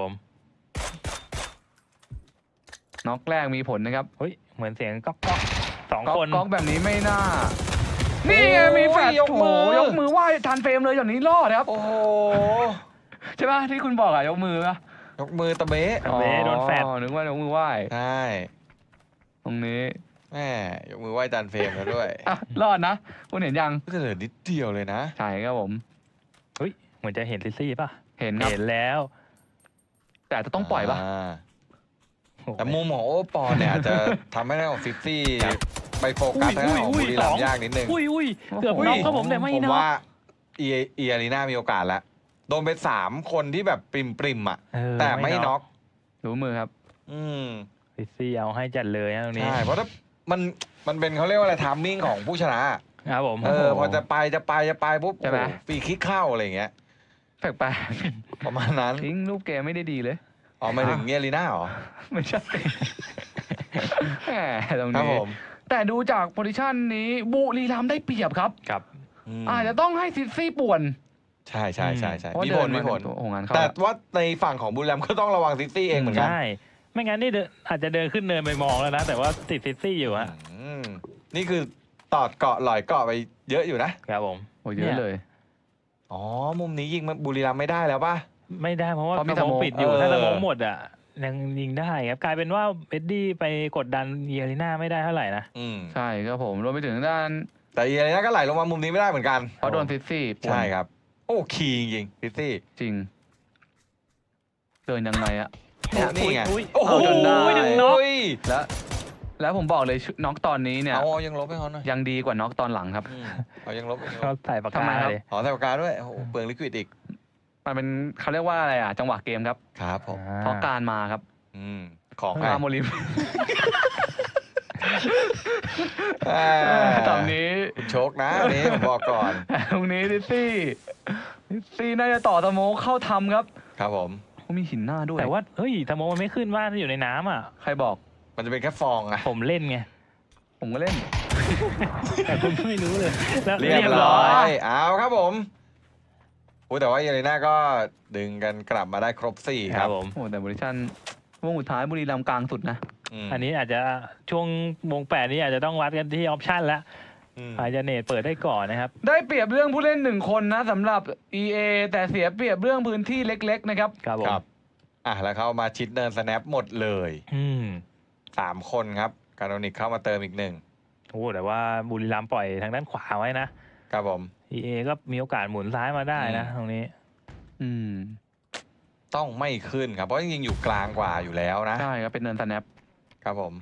[SPEAKER 1] น็อกแรกมีผลนะครับ
[SPEAKER 3] เฮ้ยเหมือนเสียงก๊อกก๊อกสอง
[SPEAKER 1] ก๊อก
[SPEAKER 3] คน
[SPEAKER 1] ก๊อกแบบนี้ไม่น่า นี่ไงมีแฟลช
[SPEAKER 2] ยกมือ
[SPEAKER 1] โโหยกมือไหว้ทันเฟรมเลยอย่างนี้รอดครับ
[SPEAKER 2] โอ้โห
[SPEAKER 1] ใช่ป่ะที่คุณบอกอะยกมือป่ะ
[SPEAKER 2] ยกมือตะเบะ
[SPEAKER 3] ตะเบ้โดนแฟด
[SPEAKER 1] อ๋อนึกว่ายกมือไหว้
[SPEAKER 2] ใช่
[SPEAKER 1] ตรงนี้
[SPEAKER 2] แม่ยกมือไหว้จานเฟรมแล้วด้วย
[SPEAKER 1] อ่ะรอดนะคุณเห็นยัง
[SPEAKER 2] ก็เหลือนิดเดียวเลยนะ
[SPEAKER 1] ใช่ครับผม
[SPEAKER 3] เฮ้ยเหมือนจะเห็นซิซี่ป่ะ
[SPEAKER 1] เห็นครับ
[SPEAKER 3] เห็นแล้ว
[SPEAKER 1] แต่จะต้องปล่อยป่ะ
[SPEAKER 2] า
[SPEAKER 3] โอ้โห
[SPEAKER 2] แต่มุมของโอปอลเนี่ยอาจจะทำให้ได้ของซิตี้ไปโฟกัสทางด้านของบุรีรัมย์ยากนิดนึง
[SPEAKER 3] อุ้ยอุ้ย
[SPEAKER 1] โอ้โห
[SPEAKER 3] เกือบน็อกครับผมแต่ไม่
[SPEAKER 2] ผม
[SPEAKER 3] น็อก
[SPEAKER 2] ว่าเอเออารีนามีโอกาสแล้ว โดนไปสามคนที่แบบปริมปริมๆอ่ะ
[SPEAKER 3] เออ
[SPEAKER 2] แต่ไม่น็อก
[SPEAKER 1] รู้มือครับ
[SPEAKER 2] อืม
[SPEAKER 3] ซิซี่เอาให้จัดเลยนะตรงนี้
[SPEAKER 2] ใช่ เพราะถ้ามันมันเป็นเขาเรียกว่าอะไรทามมิ่งของผู้ชนะครับ
[SPEAKER 3] ผม
[SPEAKER 2] เออพอจะไปจะไปจะไปปุ๊บ
[SPEAKER 1] ใช่ไหม
[SPEAKER 2] โอ้โหฟรีคิกเข้าอะไรอย่างเงี้ย
[SPEAKER 1] แปลก
[SPEAKER 2] ประมาณนั้น
[SPEAKER 1] ๆทิ้งลูกเกมไม่ได้ดีเลย
[SPEAKER 2] อ๋อหมายถึงเออารีนาเหรอ
[SPEAKER 1] ไม่ใช่ แหมตรง
[SPEAKER 2] ครับ
[SPEAKER 1] นี้
[SPEAKER 2] ผม
[SPEAKER 1] แต่ดูจากโพซิชันนี้บุรีรัมย์ได้เปรียบครับ
[SPEAKER 3] ครับ
[SPEAKER 2] ม
[SPEAKER 1] อาจจะต้องให้ซิตี้ป่วน
[SPEAKER 2] ใช่ใช่ใช่ใช่
[SPEAKER 1] เพราะ
[SPEAKER 2] มี
[SPEAKER 1] เดิ
[SPEAKER 2] ผ
[SPEAKER 1] น
[SPEAKER 2] ลมีผล
[SPEAKER 1] โอ้งานเข้า
[SPEAKER 2] แต่
[SPEAKER 1] แล้ว
[SPEAKER 2] ว่าในฝั่งของบุรีรัมย์ก็ต้องระวังซิตี้เองเหมือนกัน
[SPEAKER 3] ใช่ไม่งั้นนี่เดินอาจจะเดินขึ้นเนินไปมองแล้วนะ แต่ว่าติดซิซี่อยู่ฮะ
[SPEAKER 2] อืมนี่คือตอดเกาะหลอยเกาะไปเยอะอยู่นะครับ
[SPEAKER 3] ผม
[SPEAKER 1] โอ้เยอะเลย
[SPEAKER 2] อ๋อ มุมนี้ยิงบุรีรัมย์ไม่ได้แล้วป่ะ
[SPEAKER 3] ไม่ได้เพราะว่า
[SPEAKER 1] เพราะมี
[SPEAKER 3] สมอง
[SPEAKER 1] สโมก
[SPEAKER 3] ปิดอยู่
[SPEAKER 2] เออ
[SPEAKER 3] ถ้าสมองหมดอ่ะยังยิงได้ครับกลายเป็นว่าเอ็ดดี้ไปกดดันเยอริน่าไม่ได้เท่าไหร่นะ
[SPEAKER 2] อืม
[SPEAKER 1] ใช่ครับผมรวมไปถึงด้าน
[SPEAKER 2] แต่เออารีนาก็ไหลลงมามุมนี้ไม่ได้เหมือนกัน
[SPEAKER 1] เพราะโดนซิตี้ป่วน
[SPEAKER 2] ใช่ครับ โอ้คีย์จริงซิตี้
[SPEAKER 1] จริง เดินยังไงอะ
[SPEAKER 2] เนี่ยนี่ไง
[SPEAKER 3] อุ้ย
[SPEAKER 2] โอ้โห
[SPEAKER 1] เอาจนได้
[SPEAKER 3] ดึงน็อก
[SPEAKER 2] โย
[SPEAKER 1] แล้ว แล้วผมบอกเลยชุดน็อกตอนนี้เนี่ย
[SPEAKER 2] เอายังลบให้เขาหน่อย
[SPEAKER 1] ยังดีกว่าน็อกตอนหลังครับ
[SPEAKER 2] อืมเอายังลบยังล
[SPEAKER 3] เขา
[SPEAKER 2] บ
[SPEAKER 3] ใส่ปาก
[SPEAKER 1] ทำไม
[SPEAKER 3] กา
[SPEAKER 1] ครับ
[SPEAKER 3] เลย
[SPEAKER 2] ขอใส่ปากกาด้วยโอ้โหเปลืองลิควิดอีก
[SPEAKER 1] มันเป็นเขาเรียกว่าอะไรอ่ะ จังหวะเกมครับ
[SPEAKER 2] ครับผม
[SPEAKER 1] เพราะการมาครับ
[SPEAKER 2] อืมของ
[SPEAKER 1] มา
[SPEAKER 2] ให้
[SPEAKER 1] โมลิม
[SPEAKER 2] อ่า
[SPEAKER 1] ตอนนี้
[SPEAKER 2] คุณโชคนะอันนี้ผมบอกก่อน
[SPEAKER 1] ตรงนี้ซิตี้ซิตี้น่าจะต่อสโมกเข้าทำครับ
[SPEAKER 2] ครับผม
[SPEAKER 1] เขามีหินหน้าด้วย
[SPEAKER 3] แต่ว่าเฮ้ยสมองมันไม่ขึ้นว่าถ้าอยู่ในน้ำอ่ะ
[SPEAKER 1] ใครบอก
[SPEAKER 2] มันจะเป็นแค่ฟองอะ
[SPEAKER 3] ผมเล่นไง
[SPEAKER 1] ผมก็เล่น
[SPEAKER 3] แต่คุณไม่รู้เลยแล้ว
[SPEAKER 2] เรียบร้อยเอาครับผมโอ้แต่ว่าเออารีนาก็ดึงกันกลับมาได้ครบสี่
[SPEAKER 3] ค
[SPEAKER 2] ค
[SPEAKER 3] รั
[SPEAKER 2] รั
[SPEAKER 3] บบ ผม
[SPEAKER 1] โอ้แต่บริชันวงสุดท้ายบุรีรัมย์กลางสุดนะ
[SPEAKER 2] ม
[SPEAKER 3] อันนี้อาจจะช่วงวงแปดนี้อาจจะต้องวัดกันที่ออปชั่นแล้ว
[SPEAKER 2] อืม
[SPEAKER 3] อาจจะเนตเปิดได้ก่อนนะครับ
[SPEAKER 1] ได้เปรียบเรื่องผู้เล่นหนึ่งคนนะสำหรับ อี เอ แต่เสียเปรียบเรื่องพื้นที่เล็กๆนะครับ
[SPEAKER 3] ครับผ
[SPEAKER 2] ค
[SPEAKER 3] ม
[SPEAKER 2] รับ อ่ะแล้วเขามาชิดเนินสแนปหมดเลย
[SPEAKER 3] อืม
[SPEAKER 2] สามคนครับการโดนิกเข้ามาเติมอีกหนึ่ง
[SPEAKER 3] โอ้แต่ว่าบุรีรัมย์ปล่อยทางด้านขวาไว้นะครับ
[SPEAKER 2] ผม
[SPEAKER 3] ออี เอ ก็มีโอกาสหมุนซ้ายมาได้นะตรงนี้
[SPEAKER 1] อืม
[SPEAKER 2] ต้องไม่ขึ้นครับ เพราะจริงๆอยู่กลางกว่าอยู่แล้วนะ
[SPEAKER 1] ใช่ครับเป็นเนินสแนป
[SPEAKER 2] ครับผม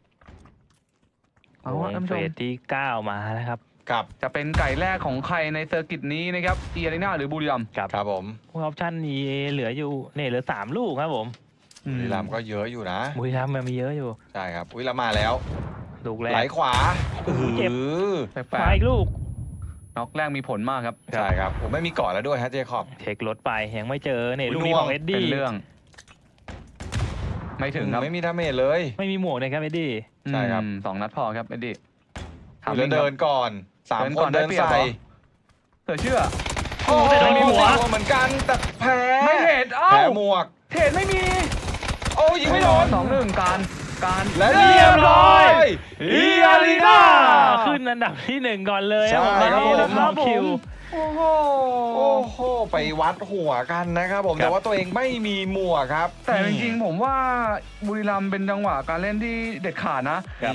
[SPEAKER 1] เอา
[SPEAKER 3] โอ้
[SPEAKER 1] วะ
[SPEAKER 3] ย
[SPEAKER 1] ท่านผู้
[SPEAKER 3] เฟ
[SPEAKER 1] ชม
[SPEAKER 3] สที่เก้ามาแล้วครับ
[SPEAKER 2] กับ
[SPEAKER 1] จะเป็นไก่แรกของใครในเซอร์กิตนี้นะครับเอียริน่าหรือบุรีรัมย์
[SPEAKER 3] ครับ
[SPEAKER 2] ครับผม
[SPEAKER 3] พวกออปชั่น อี เอ เหลืออยู่เนี่ยเหลือสามลูกครับผม
[SPEAKER 2] บุรีรัมย์ก็เยอะอยู่นะ
[SPEAKER 3] บุรีรัมย์มันมีเยอะอยู่
[SPEAKER 2] ใช่ครับอุ้ยแล้วมาแล้ว
[SPEAKER 3] ลูกแร
[SPEAKER 2] ไหล
[SPEAKER 3] ก
[SPEAKER 2] ขวา
[SPEAKER 3] โอ้โหเจ็บ
[SPEAKER 2] ออ
[SPEAKER 1] แปล
[SPEAKER 3] มาก อีกลูก
[SPEAKER 1] ๆน็อกแรกมีผลมากครับ
[SPEAKER 2] ใช่ครับผมไม่มีเกาะแล้วด้วยฮะเจคอบ
[SPEAKER 3] เช็ครถไปยังไม่เจอเนี่ย
[SPEAKER 2] อุ๊ย
[SPEAKER 3] ลูกนี้
[SPEAKER 2] น่วง
[SPEAKER 3] ของเอ็ด
[SPEAKER 1] เป็
[SPEAKER 3] ดี้
[SPEAKER 1] นเรื่อง ไม่ถึงครับ
[SPEAKER 2] ไม่มีดาเมจเลย
[SPEAKER 3] ไม่มีหมวกเลยครับเอ็ดดี้
[SPEAKER 2] ใช่ครับ
[SPEAKER 1] อืมสองนัดพอครับเอ็ดดี้
[SPEAKER 2] อุ๊ยแล้วเดินก่อนสาม
[SPEAKER 1] เดิน
[SPEAKER 2] ค
[SPEAKER 1] ก่อน
[SPEAKER 2] น
[SPEAKER 1] ได้
[SPEAKER 2] เดิน
[SPEAKER 1] เปรียบ
[SPEAKER 2] ใส่
[SPEAKER 1] เหรอ เสือเชื่อ
[SPEAKER 2] โอ้โห
[SPEAKER 3] แต่ไม่มีหัว
[SPEAKER 2] เหมือนกันแต่แพ้
[SPEAKER 1] ไม่เห็นเอ้า
[SPEAKER 2] แพ้หมวก
[SPEAKER 1] เทรดไม่มี
[SPEAKER 2] โอ้ยิงไม่โดน
[SPEAKER 1] สองหนึ่งการการ
[SPEAKER 2] และเรียบร้อยอีอารีนา
[SPEAKER 3] ขึ้นอันดับที่หนึ่งก่อนเลย
[SPEAKER 2] ใช่ครับผม
[SPEAKER 3] แล้วก็คิว
[SPEAKER 1] โอ้โห
[SPEAKER 2] โอ้โหไปวัดหัวกันนะครับผม
[SPEAKER 3] ครับ
[SPEAKER 2] แต่ว่าตัวเองไม่มีหมวกครับ
[SPEAKER 1] แต่จริงๆผมว่าบุรีรัมย์เป็นจังหวะการเล่นที่เด็ดขาดนะ